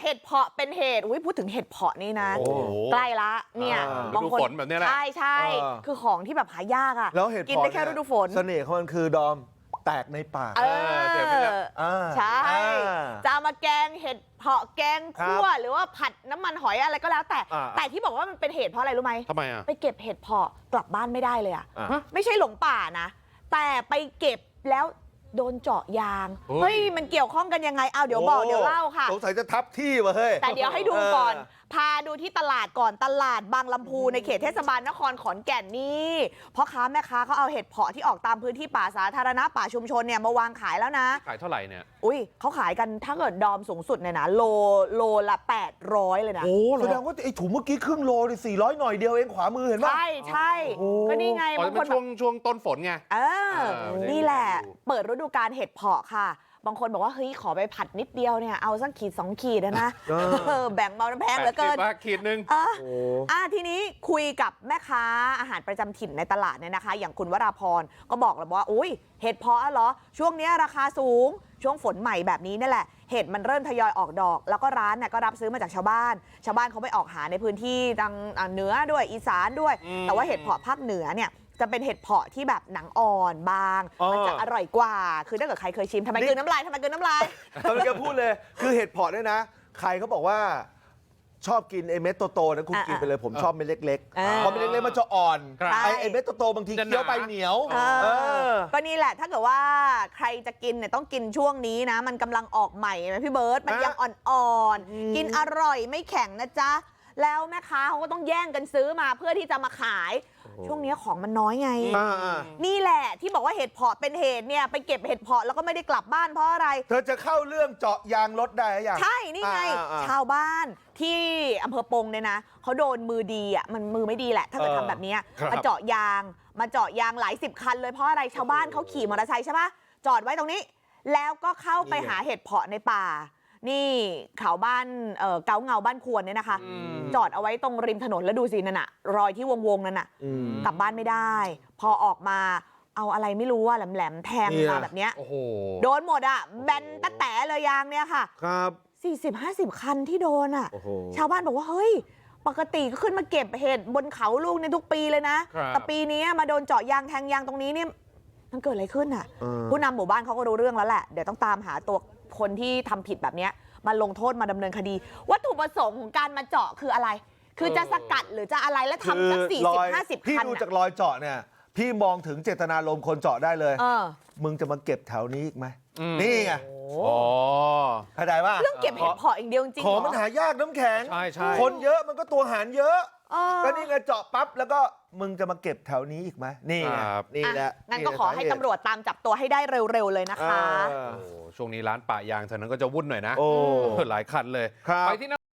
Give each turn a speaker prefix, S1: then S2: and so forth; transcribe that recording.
S1: เห็ดเพาะเป็นเหตุพูดถึงเห็ดเพาะนี่นะใกล้ละเนี่ย
S2: บางคนฝนแบบนี้แหละ
S1: ใช่คือของที่แบบหายากอ่ะ
S3: แล้วเห็ดเพาะ
S1: กินได้แค่ฤดูฝน
S3: เสน่ห์ของมันคือดอมแตกในปาก
S1: ใช่จะมาแกงเห็ดเพาะแกงคั่วหรือว่าผัดน้ำมันหอยอะไรก็แล้วแต่ที่บอกว่ามันเป็นเหตุเพราะอะไรรู้ไหม
S2: ทำไมอ่ะ
S1: ไปเก็บเห็ดเพาะกลับบ้านไม่ได้เลยอ่ะไม่ใช่หลงป่านะแต่ไปเก็บแล้วโดนเจาะยางเฮ้ยมันเกี่ยวข้องกันยังไงเอาเดี๋ยวบอกเดี๋ยวเล่าค่ะ
S3: สงสัยจะทับที่ว่ะเฮ้ย
S1: แต่เดี๋ยวให้ดูก่อนพาดูที่ตลาดก่อนตลาดบางลำพูในเขตเทศบาลนครขอนแก่นนี่พ่อค้าแม่ค้าเขาเอาเห็ดเพาะที่ออกตามพื้นที่ป่าสาธารณะป่าชุมชนเนี่ยมาวางขายแล้วนะ
S2: ขายเท่าไหร่เนี่ย
S1: เขาขายกันถ้าเกิดดอมสูงสุดเนี่ยนะโลละ800เลยนะ
S3: แสดงว่าไอ้ถุงเมื่อกี้ครึ่งโลนี่400หน่อยเดียวเองขวามือเห็นป่ะ
S1: ใช่ก็นี่ไง
S2: บางคนช่วงต้นฝนไง
S1: นี่แหละเปิดฤดูกาลเห็ดเพาะค่ะบางคนบอกว่าเฮ้ยขอไปผัดนิดเดียวเนี่ยเอาสักขีด2 ขีดนะแบ่งเบาน้ำแพงเหลือเกิน
S2: ขีดนึง
S1: ทีนี้คุยกับแม่ค้าอาหารประจำถิ่นในตลาดเนี่ยนะคะอย่างคุณวราพรก็บอกเลยว่าอุ้ยเห็ดเพาะเหรอช่วงนี้ราคาสูงช่วงฝนใหม่แบบนี้นี่แหละเห็ดมันเริ่มทยอยออกดอกแล้วก็ร้านเนี่ยก็รับซื้อมาจากชาวบ้านเขาไปออกหาในพื้นที่ทางเหนือด้วยอีสานด้วยแต่ว่าเห็ดเพาะภาคเหนือเนี่ยจะเป็นเห็ดเพาะที่แบบหนังอ่อนบางมันจะอร่อยกว่าคือถ้าเกิดใครเคยชิมทำไมกลืนน้ำลายทำไมกลืนน้ำลาย
S3: ตอนแกพูดเลยคือเห็ดเพาะเนี่ยนะใครเขาบอกว่าชอบกินไอ้เม็ดโตๆนะคุณกินไปเลยผมชอบเม็ดเล็กๆพอเม็ดเล็กๆมันจะอ่อนไอ้เม็ดโตๆบางทีเคี้ยวไปเหนียว
S1: ก็นี่แหละถ้าเกิดว่าใครจะกินเนี่ยต้องกินช่วงนี้นะมันกำลังออกใหม่ไหมพี่เบิร์ตมันยังอ่อนๆกินอร่อยไม่แข็งนะจ๊ะแล้วแม่ค้าเขาก็ต้องแย่งกันซื้อมาเพื่อที่จะมาขายช่วงนี้ของมันน้อยไงนี่แหละที่บอกว่าเห็ดเพาะเป็นเหตุเนี่ยไปเก็บเห็ดเพาะแล้วก็ไม่ได้กลับบ้านเพราะอะไร
S3: เธอจะเข้าเรื่องเจาะยางรถได้หรือยัง
S1: ใช่นี่ไงชาวบ้านที่อำเภอปงเนี่ยนะเขาโดนมือดีอ่ะมันมือไม่ดีแหละถ้าเกิดทำแบบนี้มาเจาะยางหลาย10 คันเลยเพราะอะไรชาวบ้านเขาขี่มอเตอร์ไซค์ใช่ปะจอดไว้ตรงนี้แล้วก็เข้าไปหาเห็ดเพาะในป่านี่เขาบ้านเกาเงาบ้านควรเนี่ยนะคะจอดเอาไว้ตรงริมถนนแล้วดูสินั่นน่ะรอยที่วงนั่นน่ะกลับบ้านไม่ได้พอออกมาเอาอะไรไม่รู้ว่าแหลมแทงมาแบบเนี้ยโดนหมดอ่ะแบนตะแต๋เลยยางเนี่ยค่ะ
S3: ครับ
S1: 40-50 คันที่โดนอ่ะชาวบ้านบอกว่าเฮ้ยปกติก็ขึ้นมาเก็บเห็ดบนเขาลูกในทุกปีเลยนะแต่ปีนี้มาโดนเจาะยางแทงยางตรงนี้เนี่ยมันเกิดอะไรขึ้นอ่ะผู้นำหมู่บ้านเขาก็รู้เรื่องแล้วแหละเดี๋ยวต้องตามหาตัวคนที่ทำผิดแบบนี้มาลงโทษมาดำเนินคดีวัตถุประสงค์ของการมาเจาะคืออะไรคือจะสกัดหรือจะอะไรแล้วทำสัก40-50 คัน
S3: พี่ดูจากรอยเจาะเนี่ยพี่มองถึงเจตนารมณ์คนเจาะได้เลยมึงจะมาเก็บแถวนี้อีกไหมนี่ไงเข้าใจว่า
S1: เรื่องเก็บเห็ดเพาะอย่างเดียวจริง
S3: ของมันหายากน้ำแข็งคนเยอะมันก็ตัวหารเยอะก็นี่ไงเจาะปั๊บแล้วก็มึงจะมาเก็บแถวนี้อีกไหมนี่ไงนี่แหละ
S1: งั้นก็ขอให้ตำรวจตามจับตัวให้ได้เร็วๆเลยนะคะ
S2: ช่วงนี้ร้านป่ายางเท่านั้นก็จะวุ่นหน่อยนะหลายคันเลยไปที่